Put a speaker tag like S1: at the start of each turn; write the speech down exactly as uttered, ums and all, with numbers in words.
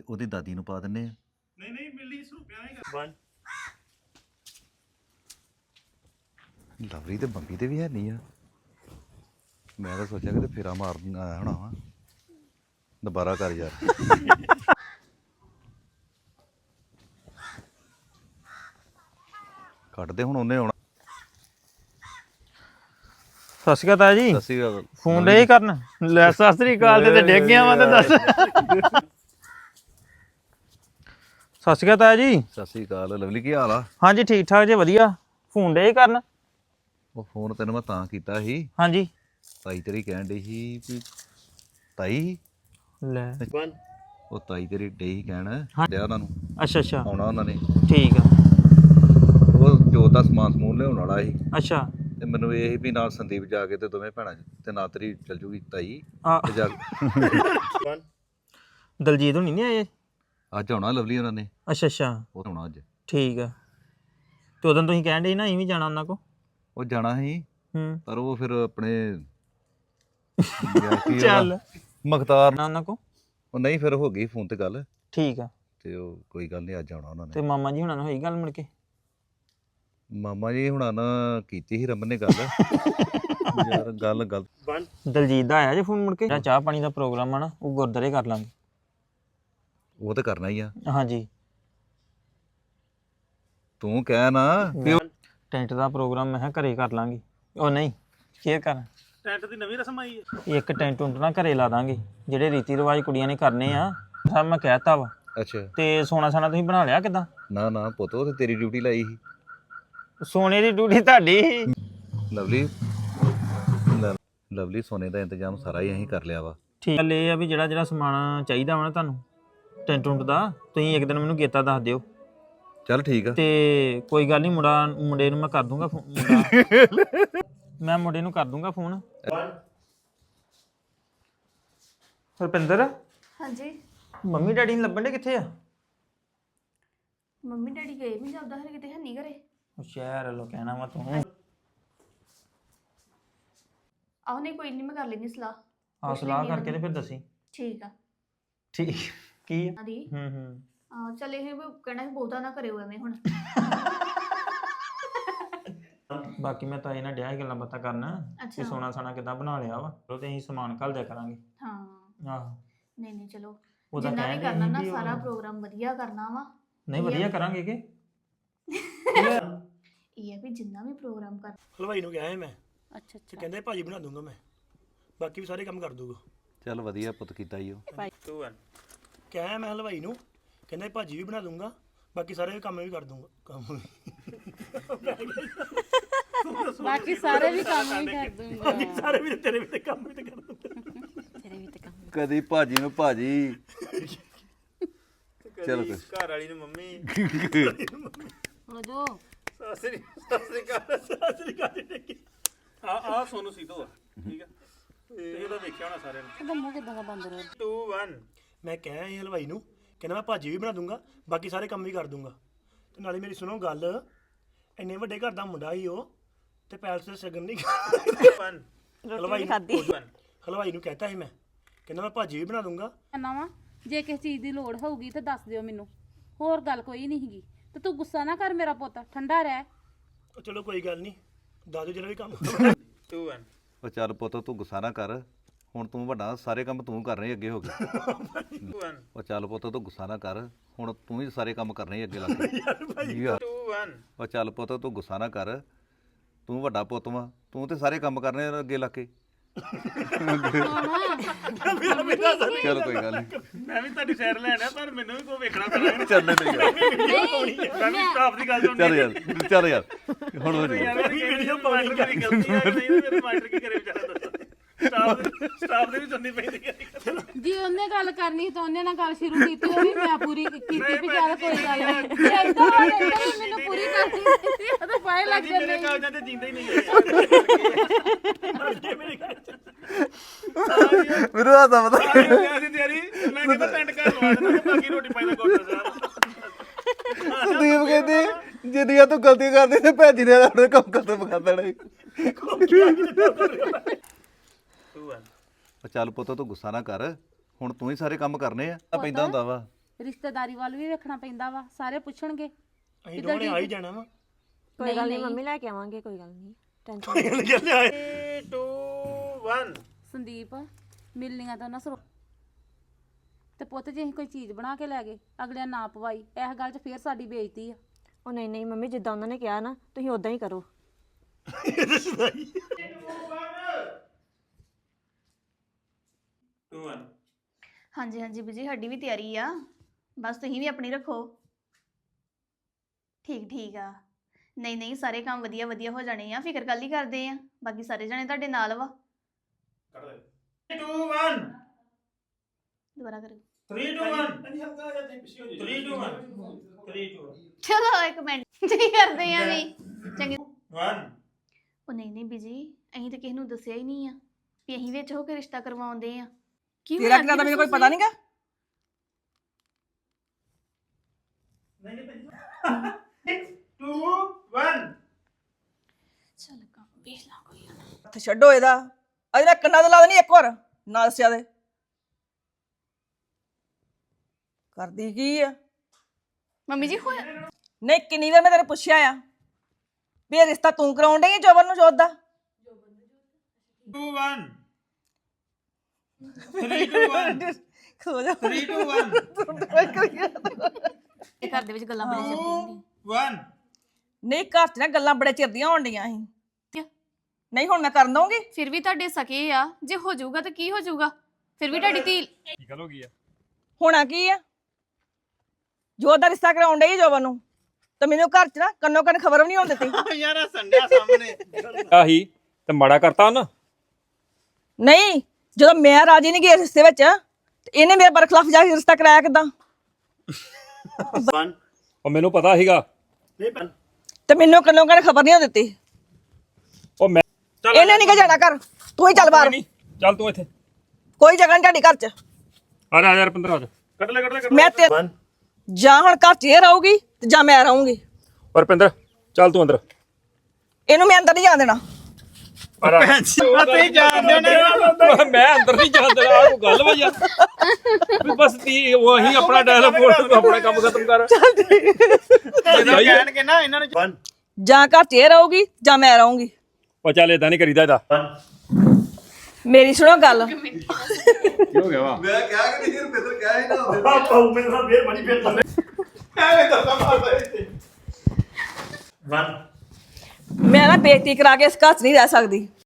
S1: ਉਹਦੀ ਦਾਦੀ ਨੂੰ ਪਾ ਦਿੰਨੇ ਆ।
S2: ਨਹੀਂ ਨਹੀਂ ਮਿਲੀ ਸਰੂਪਿਆਂ ਨਹੀਂ ਕਰ
S1: ਲਵਰੀ ਤੇ ਬੰਬੀ ਤੇ ਵੀ ਹੈ ਨਹੀਂ ਆ। ਮੈਂ ਤਾਂ ਸੋਚਿਆ ਕਿ ਫੇਰਾ ਮਾਰਨ ਆਇਆ ਹੋਣਾ ਵਾ। ਦੁਬਾਰਾ ਕਰ ਯਾਰ। ਕੱਢਦੇ ਹੁਣ ਉਹਨੇ ਆਉਣਾ।
S3: ਸਤਿ ਸ਼੍ਰੀ ਅਕਾਲ ਤਾਇਆ ਜੀ।
S1: ਸਤਿ ਸ਼੍ਰੀ ਅਕਾਲ।
S3: ਫੋਨ ਡੇ ਕਰਨ ਲੈ ਸਤਿ ਸ਼੍ਰੀ ਅਕਾਲ ਤੇ ਡਿੱਗ ਗਿਆ ਵਾ ਤੇ ਦੱਸ। ਸਤਿ ਸ਼੍ਰੀ ਅਕਾਲ ਤਾਇਆ ਜੀ।
S1: ਸਤਿ ਸ਼੍ਰੀ ਅਕਾਲ। ਲਵਲੀ ਕੀ ਹਾਲ ਆ?
S3: ਹਾਂਜੀ ਠੀਕ ਠਾਕ ਜੇ ਵਧੀਆ। ਫੋਨ ਡੇ ਕਰਨ।
S1: ਉਹ ਫੋਨ ਤੈਨੂੰ ਮੈਂ ਤਾਂ ਕੀਤਾ ਸੀ,
S3: ਹਾਂਜੀ
S1: ਤਾਈ ਤੇਰੀ ਕਹਿਣ ਡਈ ਸੀ ਵੀ ਤਾਈ
S3: ਲੈ
S1: ਉਹ ਤਾਈ ਤੇਰੀ ਡਈ ਸੀ ਕਹਿਣ ਡਿਆ ਉਹਨਾਂ ਨੂੰ
S3: ਅੱਛਾ ਅੱਛਾ
S1: ਆਉਣਾ ਉਹਨਾਂ ਨੇ।
S3: ਠੀਕ ਆ।
S1: ਉਹ ਜੋਤ ਦਾ ਸਮਾਨ ਸਮੂਨ ਲਿਆਉਣ ਵਾਲਾ ਸੀ
S3: ਅੱਛਾ
S1: ਤੇ ਮੈਨੂੰ ਇਹ ਸੀ ਵੀ ਨਾਲ ਸੰਦੀਪ ਜਾ ਕੇ ਤੇ ਦੋਵੇਂ ਭੈਣਾਂ ਤੇ ਨਾਲ ਤੇਰੀ ਚੱਲ ਜੂਗੀ ਤਾਈ
S3: ਆ
S1: ਤੇ ਜਾ
S3: ਦਲਜੀਤ ਹੁਣੀ ਨਹੀਂ ਆਏ?
S1: ਅੱਜ ਆਉਣਾ ਲਵਲੀ ਉਹਨਾਂ ਨੇ।
S3: ਅੱਛਾ ਅੱਛਾ
S1: ਉਹ ਆਉਣਾ ਅੱਜ।
S3: ਠੀਕ ਆ। ਤੇ ਉਦੋਂ ਤੁਸੀਂ ਕਹਿਣ ਡੇ ਨਾ ਅਸੀਂ ਵੀ ਜਾਣਾ ਉਹਨਾਂ ਕੋ।
S1: ਉਹ ਜਾਣਾ ਸੀ
S3: ਹੂੰ
S1: ਪਰ ਉਹ ਫਿਰ ਆਪਣੇ ਯਾਰ ਕੀ
S3: ਚੱਲ
S1: ਉਹਦਾ ਮੁਖਤਾਰ
S3: ਨਾ ਉਹਨਾਂ ਕੋ।
S1: ਉਹ ਨਹੀਂ ਫਿਰ ਹੋ ਗਈ ਫੋਨ ਤੇ ਗੱਲ
S3: ਠੀਕ ਆ।
S1: ਤੇ ਉਹ ਕੋਈ ਗੱਲ ਨਹੀਂ ਅੱਜ ਆਉਣਾ ਉਹਨਾਂ
S3: ਤੇ
S1: ਨੇ।
S3: ਮਾਮਾ ਜੀ ਹੁਣਾਂ ਨਾਲ ਹੋਈ ਗੱਲ ਮੁੜ ਕੇ?
S1: ਮਾਮਾ ਜੀ ਹੁਣਾਂ ਨਾਲ ਕੀਤੀ ਸੀ ਰਮਨ ਨੇ ਗੱਲ। ਯਾਰ ਗੱਲ ਗੱਲ
S3: ਦਲਜੀਤ ਦਾ ਆਇਆ ਜੇ ਫੋਨ ਮੁੜ ਕੇ? ਜਿਹੜਾ ਚਾਹ ਪਾਣੀ ਦਾ ਪ੍ਰੋਗਰਾਮ ਆ ਨਾ ਉਹ ਗੁਰਦਾਰੇ ਕਰ ਲਾਂਗੇ।
S1: ਉਹ ਤਾਂ ਕਰਨਾ ਹੀ ਆ।
S3: ਹਾਂਜੀ
S1: ਤੂੰ ਕਹਿ ਨਾ ਵੀ ਉਹ-
S3: ਟੈਂਟ ਦਾ ਪ੍ਰੋਗਰਾਮ ਮੈਂ ਕਿਹਾ ਘਰੇ ਕਰ ਲਾਂਗੇ। ਉਹ ਨਹੀਂ ਕੀ ਕਰ
S2: ਟੈਂਟ ਦੀ ਨਵੀਂ ਰਸਮ ਆਈ ਹੈ।
S3: ਇੱਕ ਟੈਂਟ ਟੁੰਟ ਨਾ ਘਰੇ ਲਾ ਦਾਂਗੇ ਜਿਹੜੇ ਰੀਤੀ ਰਿਵਾਜ ਕੁੜੀਆਂ ਨੇ ਕਰਨੇ ਆ। ਸਭ ਮੈਂ ਕਹਿਤਾ ਵਾ।
S1: ਅੱਛਾ
S3: ਤੇ ਸੋਨਾ ਸਾਨਾ ਤੁਸੀਂ ਬਣਾ ਲਿਆ ਕਿਦਾਂ?
S1: ਨਾ ਨਾ ਪੁੱਤ ਉਹ ਤੇ ਤੇਰੀ ਡਿਊਟੀ ਲਾਈ ਸੀ।
S3: ਸੋਨੇ ਦੀ ਡਿਊਟੀ ਤੁਹਾਡੀ ਸੀ।
S1: ਲਵਲੀ ਲ- ਲਵਲੀ ਸੋਨੇ ਦਾ ਇੰਤਜ਼ਾਮ ਸਾਰਾ ਹੀ ਅਸੀਂ ਕਰ ਲਿਆ ਵਾ।
S3: ਠੀਕ ਗੱਲ ਇਹ ਆ ਵੀ ਜਿਹੜਾ ਜਿਹੜਾ ਸਮਾਨ ਚਾਹੀਦਾ ਵਾ ਨਾ ਤੁਹਾਨੂੰ ਟੈਂਟ ਟੁੰਟ ਦਾ ਤੁਸੀਂ ਇੱਕ ਦਿਨ ਮੈਨੂੰ ਗੇਤਾ ਦੱਸ ਦਿਓ
S1: ਚੱਲ ਠੀਕ ਆ।
S3: ਤੇ ਕੋਈ ਗੱਲ ਨਹੀਂ ਮੁੰਡਾ ਮੁੰਡੇ ਨੂੰ ਮੈਂ ਕਰ ਦੂੰਗਾ ਫੋ- ਮੁੰਡਾ ਮੈਂ ਮੁੰਡੇ ਨੂੰ ਕਰ ਦੂੰਗਾ ਫੋਨ। ਰੁਪਿੰਦਰ
S4: ਹਾਂਜੀ
S3: ਮੰਮੀ ਡੈਡੀ ਨੂੰ ਲੱਭਣ ਦੇ ਕਿੱਥੇ ਆ?
S4: ਮੰਮੀ ਡੈਡੀ ਗਏ ਨਹੀਂ ਜਾਂਦਾ ਹਰ ਕਿਤੇ ਹੈ ਨਹੀਂ ਘਰੇ।
S3: ਉਹ ਸ਼ਹਿਰ ਵੱਲੋਂ ਕਹਿਣਾ ਵਾ ਤੂੰ।
S4: ਆਹ ਨਹੀਂ ਕੋਈ ਨਹੀਂ ਮੈਂ ਕਰ ਲੈਣੀ ਸਲਾਹ।
S3: ਆ ਸਲਾਹ ਕਰਕੇ ਤੇ ਫਿਰ ਦੱਸੀ।
S4: ਠੀਕ ਆ
S3: ਠੀਕ ਕੀ ਆ?
S4: ਦੀ
S3: ਹੂੰ ਹੂੰ
S4: ਆ ਚੱਲ ਇਹ ਵੀ ਕਹਿਣਾ ਸੀ ਬਹੁਤਾ ਨਾ ਕਰਿਓ ਐਵੇਂ ਹੁਣ।
S3: ਬਾਕੀ ਮੈਂ ਤਾਂ ਇਹਨਾਂ ਡਿਆ ਸੀ ਗੱਲਾਂ ਬਾਤਾਂ ਕਰਨਾ ਕਿ
S4: ਅੱਛਾ
S3: ਸੋਨਾ ਸਾਨਾ ਕਿੱਦਾਂ ਬਣਾ ਲਿਆ ਵਾ ਉਹ ਤੇ ਅਸੀਂ ਸਮਾਨ ਘੱਲ ਦਿਆ ਕਰਾਂਗੇ।
S4: ਹਾਂ
S3: ਆਹੋ
S4: ਨਹੀਂ ਨਹੀਂ ਚਲੋ
S3: ਉਹ ਤਾਂ
S4: ਜਿੰਨਾ ਵੀ
S3: ਕਹਿਣ
S4: ਕਰਨਾ
S3: ਡਏ
S4: ਨਾ
S3: ਸੀ ਵੀ ਉਹ-
S4: ਸਾਰਾ ਪ੍ਰੋਗਰਾਮ ਵਧੀਆ ਕਰਨਾ ਵਾ।
S3: ਨਹੀਂ ਵਧੀਆ ਕਰਾਂਗੇ ਕਿ
S4: ਇਹ ਹੈ ਵੀ ਜਿੰਨਾ ਵੀ ਪ੍ਰੋਗਰਾਮ ਕਰ।
S2: ਹਲਵਾਈ ਨੂੰ ਕਿਹਾ ਹੈ ਮੈਂ
S4: ਅੱਛਾ
S2: ਤੇ ਕਹਿੰਦੇ ਭਾਜੀ ਬਣਾ ਦੂੰਗਾ ਮੈਂ, ਬਾਕੀ ਵੀ ਸਾਰੇ ਕੰਮ ਕਰ ਦੂੰਗਾ।
S1: ਚੱਲ ਵਧੀਆ ਪੁੱਤ ਕੀਤਾ ਈ ਉਹ।
S2: ਕਿਹਾ ਮੈਂ ਹਲਵਾਈ ਨੂੰ, ਕਹਿੰਦੇ ਭਾਜੀ ਵੀ ਬਣਾ ਦੂੰਗਾ, ਬਾਕੀ ਸਾਰੇ ਕੰਮ ਵੀ ਕਰ ਦੂੰਗਾ। ਕੰਮ
S5: ਬਾਕੀ ਸਾਰੇ ਵੀ ਕੰਮ ਵੀ ਕਰ ਦੂੰਗਾ।
S2: ਬਾਕੀ ਸਾਰੇ ਵੀ ਤੇਰੇ ਵੀ ਤੇ ਕੰਮ ਵੀ ਤੇ ਕਰ ਦੂੰਗਾ।
S5: ਤੇਰੇ ਵੀ ਤੇ ਕੰਮ
S1: ਕਦੀ ਭਾਜੀ ਨੂੰ ਭਾਜੀ ਚਲ ਕੋਈ
S2: ਘਰ ਵਾਲੀ ਨੂੰ ਮੰਮੀ
S5: ਹੁਣ ਜੋ
S2: ਸਾਸਰੀ ਸਾਸਰੀ ਕਾ ਸਾਸਰੀ ਕਾ ਆ ਆ ਸੋਨੂੰ ਸੀਧੋ ਆ ਠੀਕ ਆ ਤੇ ਇਹਦਾ ਵੇਖਿਆ ਹੋਣਾ ਸਾਰਿਆਂ ਨੇ।
S5: ਇਹਦਾ ਮੂੰਹ ਕਿਦਾਂ ਦਾ ਬੰਦ ਰਿਹਾ?
S2: ਦੋ ਇੱਕ ਮੈਂ ਕਿਹਾ ਇਹ ਹਲਵਾਈ ਨੂੰ, ਕਹਿੰਦਾ ਮੈਂ ਭਾਜੀ ਵੀ ਬਣਾ ਦੂੰਗਾ, ਬਾਕੀ ਸਾਰੇ ਕੰਮ ਵੀ ਕਰ ਦੂੰਗਾ। ਤੇ ਨਾਲੇ ਮੇਰੀ ਸੁਣੋ ਗੱਲ, ਇੰਨੇ ਵੱਡੇ ਘਰ ਦਾ ਮੁੰਡਾ ਹੀ ਉਹ ਤੇ ਪੈਲਸ ਤੇ ਸ਼ਗਨ ਨਹੀਂ ਹਲਵਾਈ ਖਾਦੀ ਹਲਵਾਈ ਨੂੰ ਕਹਤਾ ਸੀ ਮੈਂ, ਕਹਿੰਦਾ ਮੈਂ ਭਾਜੀ ਵੀ ਬਣਾ ਦੂੰਗਾ।
S5: ਕਹਿੰਦਾ ਵਾ ਜੇ ਕਿਸੇ ਚੀਜ਼ ਦੀ ਲੋੜ ਹੋਊਗੀ ਤਾਂ ਦੱਸ ਦਿਓ ਮੈਨੂੰ, ਹੋਰ ਗੱਲ ਕੋਈ ਨਹੀਂ ਹੈਗੀ। ਤੇ ਤੂੰ ਗੁੱਸਾ ਨਾ ਕਰ ਮੇਰਾ ਪੁੱਤ, ਠੰਡਾ ਰਹਿ।
S2: ਉਹ ਚਲੋ ਕੋਈ ਗੱਲ ਨਹੀਂ, ਦਾਦੂ ਜਿਹੜਾ ਵੀ ਕੰਮ ਦੋ ਇੱਕ
S1: ਉਹ ਚੱਲ ਪੁੱਤ ਤੂੰ ਗੁੱਸਾ ਨਾ ਕਰ। ਹੁਣ ਤੂੰ ਵੱਡਾ ਸਾਰੇ ਕੰਮ ਤੂੰ ਕਰਨੇ ਹੀ ਅੱਗੇ ਹੋ ਗਏ। ਉਹ ਚੱਲ ਪੁੱਤ ਤੂੰ ਗੁੱਸਾ ਨਾ ਕਰ। ਹੁਣ ਤੂੰ ਹੀ ਸਾਰੇ ਕੰਮ ਕਰਨੇ ਹੀ ਅੱਗੇ ਲੱਗ ਗਏ ਯਾਰ। ਉਹ ਚੱਲ ਪੁੱਤ ਤੂੰ ਗੁੱਸਾ ਨਾ ਕਰ। ਤੂੰ ਵੱਡਾ ਪੁੱਤ ਵਾ, ਤੂੰ ਤੇ ਸਾਰੇ ਕੰਮ ਕਰਨੇ ਅੱਗੇ ਲੱਗ ਕੇ। ਚਲ ਕੋਈ ਗੱਲ ਨਹੀਂ।
S2: ਮੈਂ ਵੀ ਤੁਹਾਡੀ ਸਾਈਡ ਲੈਣਾ, ਪਰ ਮੈਨੂੰ ਵੀ ਕੋਈ ਵੇਖਣਾ ਪੈਣਾ।
S1: ਚੱਲ ਨਹੀਂ ਯਾਰ।
S2: ਮੈਂ ਵੀ ਸਟਾਫ ਦੀ ਗੱਲ ਸੁਣਨੀ।
S1: ਚੱਲ ਯਾਰ ਚੱਲ ਯਾਰ ਹੁਣ ਹੋ ਜਾਊ।
S2: ਯਾਰ ਵੀਡੀਓ ਪਾਉਣੀ ਕਰੀ ਗਲਤੀ ਆ ਨਹੀਂ ਮੇਰੇ ਮਾਸਟਰ ਕੀ ਕਰੇ ਵਿਚਾਰਾ ਦੱਸੋ। ਸਟਾਫ ਸਟਾਫ ਦੇ ਵੀ ਸੁਣਨੀ ਪੈਂਦੀ ਹੈ।
S5: ਜੀ ਉਹਨੇ ਗੱਲ ਕਰਨੀ ਤਾਂ ਉਹਨੇ ਨਾਲ ਗੱਲ ਸ਼ੁਰੂ ਕੀਤੀ, ਉਹ ਵੀ ਮੈਂ ਪੂਰੀ ਕੀਤੀ ਵੀ ਚੱਲ ਕੋਈ ਗੱਲ ਨਹੀਂ। ਏਦਾਂ ਹੋ ਜਾਂਦਾ ਵੀ ਮੈਨੂੰ ਪੂਰੀ ਕਰਨੀ ਸੀ, ਉਹਦੇ ਪਾਏ ਲੱਗ
S2: ਮੇਰੇ
S5: ਜਾਂਦੇ।
S2: ਕਾਗਜ਼ਾਂ ਤੇ ਜਿੰਦਾ ਹੀ ਨਹੀਂ ਗਏ। ਮੇਰੇ
S1: ਮੈਨੂੰ ਆ ਤਾਂ ਪਤਾ
S2: ਕਾਗਜ਼ਾਂ ਦੀ ਤਿਆਰੀ ਮੈਂ ਕਹਿੰਦਾ ਟੈਂਟ ਘਰ ਲਵਾ ਦੇਣਾ, ਬਾਕੀ ਰੋਟੀ ਪਾਈ ਦਾ ਕੋਟਾ ਸਾਹਿਬ।
S1: ਸੰਦੀਪ ਕਹਿੰਦੀ ਜਿੰਨੀਆਂ ਤੂੰ ਗਲਤੀ ਕਰਦੀ ਤੇ ਭੈਜੀ ਨੇ ਆਪਣੇ ਕੰਮ ਖਤਮ ਕਰ ਦੇਣਾ। ਉਹ ਚੱਲ ਪੁੱਤ ਤੂੰ ਗੁੱਸਾ ਨਾ ਕਰ। ਹੁਣ ਤੂੰ ਹੀ ਸਾਰੇ ਕੰਮ ਕਰਨੇ ਆ ਪੈਂਦਾ ਹੁੰਦਾ ਵਾ।
S5: ਰਿਸ਼ਤੇਦਾਰੀ ਵੱਲ ਵੀ ਵੇਖਣਾ ਪੈਂਦਾ ਵਾ ਸਾਰੇ ਪੁੱਛਣਗੇ
S2: ਅਸੀਂ ਦੋਨੇ ਆ ਹੀ ਜਾਣਾ ਵਾ
S6: ਕੋਈ ਗੱਲ ਨਹੀਂ ਮੰਮੀ ਲੈ ਕੇ ਆਵਾਂਗੇ ਕੋਈ ਗੱਲ ਨਹੀਂ ਟੈਨਸ਼ਨ
S2: ਟੂ ਵਨ
S5: ਸੰਦੀਪ ਮਿਲਣੀਆਂ ਤਾਂ ਉਹਨਾਂ ਸਰੋ ਤੇ ਪੁੱਤ ਜੇ ਅਸੀਂ ਕੋਈ ਚੀਜ਼ ਬਣਾ ਕੇ ਲੈ ਗਏ ਅਗਲਿਆਂ ਨਾ ਪਵਾਈ ਇਸ ਗੱਲ 'ਚ ਫੇਰ ਸਾਡੀ ਬੇਇੱਜ਼ਤੀ ਆ
S6: ਉਹ ਨਹੀਂ ਨਹੀਂ ਮੰਮੀ ਜਿੱਦਾਂ ਉਹਨਾਂ ਨੇ ਕਿਹਾ ਨਾ ਤੁਸੀਂ ਉਦਾਂ ਹੀ ਕਰੋ
S4: ਹਾਂਜੀ ਹਾਂਜੀ ਬੀਜੀ ਸਾਡੀ ਵੀ ਤਿਆਰੀ ਆ ਬਸ ਤੁਸੀਂ ਵੀ ਆਪਣੀ ਰੱਖੋ ਠੀਕ ਠੀਕ ਆ ਨਹੀਂ ਨਹੀਂ ਸਾਰੇ ਕੰਮ ਵਧੀਆ ਵਧੀਆ ਹੋ ਜਾਣੇ ਆ ਫਿਕਰ ਕੱਲ ਹੀ ਕਰਦੇ ਆ ਬਾਕੀ ਸਾਰੇ ਜਣੇ ਤੁਹਾਡੇ ਨਾਲ ਵਾ
S2: ਟੂ ਵਨ
S4: ਦੁਬਾਰਾ ਕਰੋ
S2: three two one three two one three two
S4: ਚਲੋ ਇੱਕ ਮਿੰਟ ਕੀ ਕਰਦੇ ਆ ਵੀ ਚੰਗੇ
S2: ਵਨ
S4: ਉਹ ਨਹੀਂ ਨਹੀਂ ਬੀਜੀ ਅਸੀਂ ਤਾਂ ਕਿਸੇ ਨੂੰ ਦੱਸਿਆ ਹੀ ਨਹੀਂ ਆ ਵੀ ਅਸੀਂ ਵਿੱਚ ਹੋ ਕੇ ਰਿਸ਼ਤਾ ਕਰਵਾਉਂਦੇ ਆ ਕੀ
S7: ਤੇਰਾ ਕਿਹੜਾ ਤਾਂ ਮੈਨੂੰ ਕੋਈ ਪਤਾ ਨਹੀਂਗਾ
S2: ਟੂ ਵਨ
S4: ਚੱਲ ਕੰਮ ਵੇਖ ਲਾ ਕੋਈ
S7: ਹੱਥ ਛੱਡੋ ਇਹਦਾ ਅਜੇ ਨਾ ਕੰਨਾਂ ਤੇ ਲਾ ਦੇਣੀ ਇੱਕ ਵਾਰ ਨਾ ਦੱਸਿਆ ਦੇ ਕਰਦੀ ਕੀ ਆ
S4: ਮੰਮੀ ਜੀ ਹੋਇਆ
S7: ਨਹੀਂ ਕਿੰਨੀ ਵਾਰ ਮੈਂ ਤੈਨੂੰ ਪੁੱਛਿਆ ਆ ਵੀ ਇਹ ਰਿਸ਼ਤਾ ਤੂੰ ਕਰਾਉਣ ਡਈ ਜੋਬਨ ਨੂੰ ਜੋਤ ਦਾ
S2: two one three two one
S7: ਖੋ ਜਾ
S2: ਥ੍ਰੀ ਟੂ ਵਨ
S4: ਇਹ ਘਰ ਦੇ ਵਿੱਚ ਗੱਲਾਂ ਬੜੀ ਚੱਲਦੀਆਂ ਹੁੰਦੀਆਂ
S2: ਵਨ
S7: ਨਹੀਂ ਘਰ ਚ ਨਾ ਗੱਲਾਂ ਬੜੇ ਚਿਰ ਦੀਆਂ ਹੋਣ ਡੀਆਂ ਸੀ ਨਹੀਂ ਹੁਣ ਮੈਂ ਕਰਨ ਦਊਂਗੀ
S4: ਫਿਰ ਵੀ ਤੁਹਾਡੇ ਸਕੇ ਆ ਜੇ ਹੋ ਜਾਊਗਾ ਤਾਂ ਕੀ ਹੋ ਜਾਊਗਾ ਫਿਰ ਵੀ ਤੁਹਾਡੀ ਧੀ
S7: ਹੋਣਾ ਕੀ ਆ ਜੋਤ ਦਾ ਰਿਸ਼ਤਾ ਕਰਾਉਣ ਡਈ ਜੋਬਨ ਨੂੰ ਤੇ ਮੈਨੂੰ ਘਰ ਚ ਨਾ ਕੰਨੋ ਕੰਨ ਖਬਰ ਵੀ ਨਹੀਂ ਹੋਣ ਦਿੱਤੀ
S2: ਯਾਰ ਸੰਡਿਆ ਸਾਹਮਣੇ
S8: ਆਹੀ ਤੇ ਮਾੜਾ ਕਰਤਾ ਉਹਨ
S7: ਨਹੀਂ ਜਦੋਂ ਮੈਂ ਰਾਜੀ ਨਹੀਂ ਗਈ ਇਸ ਰਿਸ਼ਤੇ ਵਿੱਚ ਤੇ ਇਹਨੇ ਮੇਰੇ ਬਰਖਲਾਫ ਜਾ ਕੇ ਰਿਸ਼ਤਾ ਕਰਾਇਆ ਕਿਦਾਂ
S2: ਵਨ
S8: ਉਹ ਮੈਨੂੰ ਪਤਾ ਸੀਗਾ
S2: ਨਹੀਂ ਵਨ
S7: ਤੇ ਮੈਨੂੰ ਕੰਨੋ ਕੰਨ ਖਬਰ ਨਹੀਂ ਹੋਣ ਦਿੱਤੀ
S8: ਉਹ ਮੈਂ
S7: ਇਹਨੇ ਨਹੀਂ ਕਿ ਜਾਣਾ ਕਰ ਤੂੰ ਹੀ ਚੱਲ ਬਾਹਰ
S8: ਨਹੀਂ ਚੱਲ ਤੂੰ ਇੱਥੇ
S7: ਕੋਈ ਜਗ੍ਹਾ ਨਹੀਂ ਤੁਹਾਡੀ ਘਰ ਚ
S8: ਆ ਜਾ ਯਾਰ ਪੰਦਰਾਂ
S2: ਕੱਟ ਲੈ ਕੱਟ ਲੈ
S7: ਮੈਂ ਤੇ
S2: ਵਨ
S7: ਜਾਂ ਹੁਣ ਘਰ ਚ ਇਹ ਰਹੂਗੀ ਤੇ ਜਾਂ ਮੈਂ ਰਹੂੰਗੀ
S8: ਔਰ ਪਿੰਦਰ ਚੱਲ ਤੂੰ ਅੰਦਰ
S7: ਇਹਨੂੰ ਮੈਂ ਅੰਦਰ ਨਹੀਂ ਜਾਣ ਦੇਣਾ
S2: ਤੁਸੀਂ ਜਾਣਦੇ ਨੇ
S8: ਮੈਂ ਅੰਦਰ ਨਹੀਂ ਜਾਣ ਦੇਣਾ ਆ ਕੋਈ ਗੱਲ ਵਾ ਯਾਰ ਵੀ ਬਸ ਤੀ ਉਹ ਅਸੀਂ ਆਪਣਾ ਡਾਇਲੌਗ ਆਪਣਾ ਕੰਮ ਖਤਮ ਕਰ
S2: ਜਦੋਂ ਕਹਿਣਗੇ ਨਾ ਇਹਨਾਂ ਨੂੰ ਵਨ
S7: ਜਾਂ ਘਰ ਚ ਇਹ ਰਹੂਗੀ ਜਾਂ ਮੈਂ ਰਹੂੰਗੀ
S8: ਉਹ ਚੱਲ ਏਦਾਂ ਨਹੀਂ ਕਰੀਦਾ ਇਹਦਾ
S2: ਵਨ
S7: ਮੇਰੀ ਸੁਣੋ ਗੱਲ
S8: ਕੀ ਹੋ ਗਿਆ ਵਾ
S1: ਮੈਂ ਕਿਹਾ ਕਿ ਨਹੀਂ ਰੁਪਿੰਦਰ ਕਿਹਾ ਹੀ ਨਾ ਹੁੰਦੇ
S2: ਪਾਉ ਮੇਰੇ ਨਾਲ ਫੇਰ ਬਣੀ ਫੇਰ ਥੱਲੇ ਐਵੇਂ ਦੱਸਾ ਮਾਰਦਾ ਇੱਥੇ ਵਨ
S7: ਮੈਂ ਨਾ ਬੇਇੱਜ਼ਤੀ ਕਰਾ ਕੇ ਇਸ ਘਰ ਚ ਨਹੀਂ ਰਹਿ ਸਕਦੀ